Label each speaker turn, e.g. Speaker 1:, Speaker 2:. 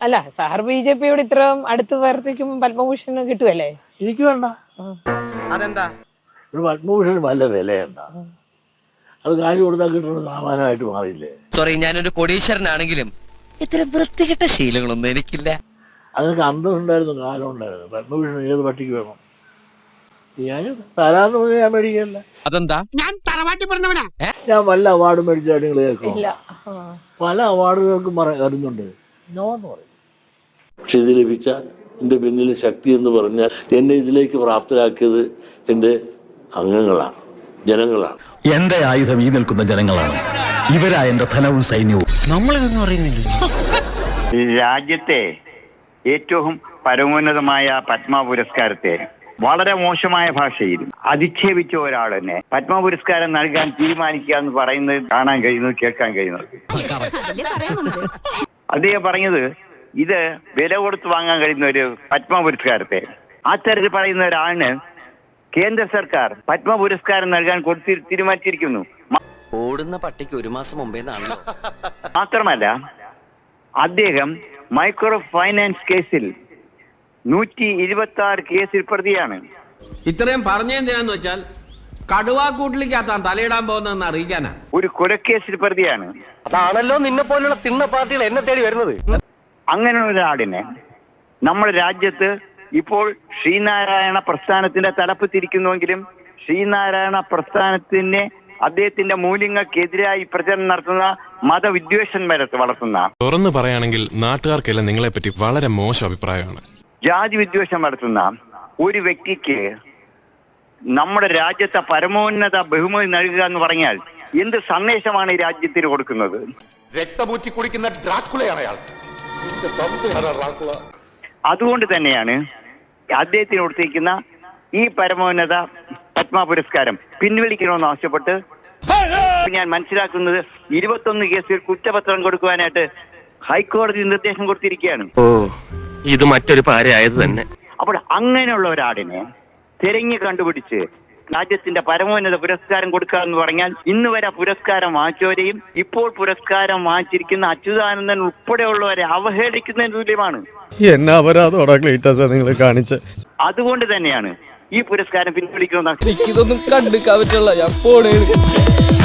Speaker 1: അല്ല സാർ BJPയോട് ഇത്രയും അടുത്ത് പ്രവർത്തിക്കുമ്പോൾ പത്മഭൂഷൺ കിട്ടുമല്ലേ?
Speaker 2: എനിക്ക് വേണ്ട.
Speaker 3: അതെന്താ?
Speaker 2: ഒരു പത്മഭൂഷൺ വല്ല വിലയുണ്ട? അത് കാശ് കൊടുത്താൽ കിട്ടുന്ന സാമാനമായിട്ട് മാറിയില്ലേ?
Speaker 4: സോറി, ഞാനൊരു കോടീശ്വരനാണെങ്കിലും ഇത്തരം വൃത്തികെട്ട ശീലങ്ങളൊന്നും എനിക്കില്ല.
Speaker 2: അതൊക്കെ അന്തസ്സുണ്ടായിരുന്നു, കാലം ഉണ്ടായിരുന്നു. പത്മഭൂഷൺ ഏത് പട്ടിക്ക് വേണം? ഞാൻ തരാന്ന് പറഞ്ഞാൽ ഞാൻ മേടിക്കല്ല.
Speaker 4: അതെന്താ?
Speaker 2: ഞാൻ വല്ല അവാർഡ് മേടിച്ചാൽ നിങ്ങൾ കേൾക്കും.
Speaker 1: ഇല്ല.
Speaker 2: പല അവാർഡുകൾക്കും വരുന്നുണ്ട്, നോ എന്ന് പറയും. പക്ഷെ ഇത് ലഭിച്ച എൻ്റെ പിന്നിലെ ശക്തി എന്ന് പറഞ്ഞാൽ എന്നെ ഇതിലേക്ക് പ്രാപ്തരാക്കിയത് എൻ്റെ അംഗങ്ങളാണ്, ജനങ്ങളാണ്.
Speaker 5: എന്റെ ആയുധം ഈ നിൽക്കുന്ന ജനങ്ങളാണ്. ഇവരാ എന്റെ ധനവും സൈന്യവും.
Speaker 4: നമ്മളിതൊന്നും അറിയുന്നില്ല.
Speaker 3: രാജ്യത്തെ ഏറ്റവും പരമോന്നതമായ പത്മ പുരസ്കാരത്തെ വളരെ മോശമായ ഭാഷയിൽ അധിക്ഷേപിച്ച ഒരാൾ തന്നെ പത്മ പുരസ്കാരം നൽകാൻ തീരുമാനിക്കുക എന്ന് പറയുന്നത് കാണാൻ കഴിയുന്നത്, കേൾക്കാൻ കഴിയുന്നത്. അദ്ദേഹം പറഞ്ഞത് ഇത് വില കൊടുത്ത് വാങ്ങാൻ കഴിയുന്ന ഒരു പത്മ പുരസ്കാരത്തെ അത്തരത്തിൽ പറയുന്ന ഒരാളിന് കേന്ദ്ര സർക്കാർ പത്മ പുരസ്കാരം നൽകാൻ തീരുമാനിച്ചിരിക്കുന്നു.
Speaker 4: ഓടുന്ന പട്ടിക്ക് ഒരു മാസം മുമ്പേ
Speaker 3: മാത്രമല്ല, അദ്ദേഹം മൈക്രോ ഫൈനാൻസ് കേസിൽ 126 കേസിൽ പ്രതിയാണ്.
Speaker 6: ഇത്രയും പറഞ്ഞെന്തിനാന്ന് വെച്ചാൽ കടുവാക്കൂട്ടിലേക്കാത്താൻ തലയിടാൻ പോകുന്നതെന്ന് അറിയിക്കാനാ.
Speaker 3: ഒരു കൊലക്കേസിൽ പ്രതിയാണ്.
Speaker 4: അതാണല്ലോ നിന്നെ പോലുള്ള തിണ്ണ പാർട്ടികൾ എന്നെ തേടി വരുന്നത്.
Speaker 3: അങ്ങനെ ഒരാളിനെ നമ്മുടെ രാജ്യത്ത് ഇപ്പോൾ ശ്രീനാരായണ പ്രസ്ഥാനത്തിന്റെ തലപ്പത്തിരിക്കുന്നുവെങ്കിലും ശ്രീനാരായണ പ്രസ്ഥാനത്തിന് അദ്ദേഹത്തിന്റെ മൂല്യങ്ങൾക്കെതിരായി പ്രചരണം നടത്തുന്ന മതവിദ്വേഷം വളർത്തുന്ന,
Speaker 7: തുറന്നു പറയുകയാണെങ്കിൽ നാട്ടുകാർക്കെല്ലാം നിങ്ങളെ പറ്റി വളരെ മോശം അഭിപ്രായമാണ്,
Speaker 3: ജാതി വിദ്വേഷം വളർത്തുന്ന ഒരു വ്യക്തിക്ക് നമ്മുടെ രാജ്യത്തെ പരമോന്നത ബഹുമതി നൽകുക എന്ന് പറഞ്ഞാൽ എന്ത് സന്ദേശമാണ് ഈ രാജ്യത്തിന് കൊടുക്കുന്നത്?
Speaker 8: രക്തമൂറ്റി കുടിക്കുന്ന ഡ്രാക്കുളയാണ് അയാൾ.
Speaker 3: അതുകൊണ്ട് തന്നെയാണ് അദ്ദേഹത്തിന് കൊടുത്തിരിക്കുന്ന ഈ പരമോന്നത പത്മ പുരസ്കാരം പിൻവലിക്കണമെന്ന് ആവശ്യപ്പെട്ട് ഞാൻ മനസ്സിലാക്കുന്നത് 21 കേസിൽ കുറ്റപത്രം കൊടുക്കുവാനായിട്ട് ഹൈക്കോടതി നിർദ്ദേശം കൊടുത്തിരിക്കുകയാണ്.
Speaker 4: ഇത് മറ്റൊരു പാരയായത് തന്നെ.
Speaker 3: അപ്പോൾ അങ്ങനെയുള്ള ഒരാടിനെ തിരഞ്ഞു കണ്ടുപിടിച്ച് രാജ്യത്തിന്റെ പരമോന്നത പുരസ്കാരം കൊടുക്കുക എന്ന് പറഞ്ഞാൽ ഇന്ന് വരെ പുരസ്കാരം വാങ്ങിച്ചവരെയും ഇപ്പോൾ പുരസ്കാരം വാങ്ങിച്ചിരിക്കുന്ന അച്യുതാനന്ദൻ ഉൾപ്പെടെയുള്ളവരെ അവഹേളിക്കുന്നതിന് തുല്യമാണ്.
Speaker 6: അതുകൊണ്ട്
Speaker 3: തന്നെയാണ് ഈ പുരസ്കാരം പിൻവലിക്കണമെന്ന്
Speaker 4: ഇതൊന്നും കണ്ടുക്കാൻ പറ്റുള്ള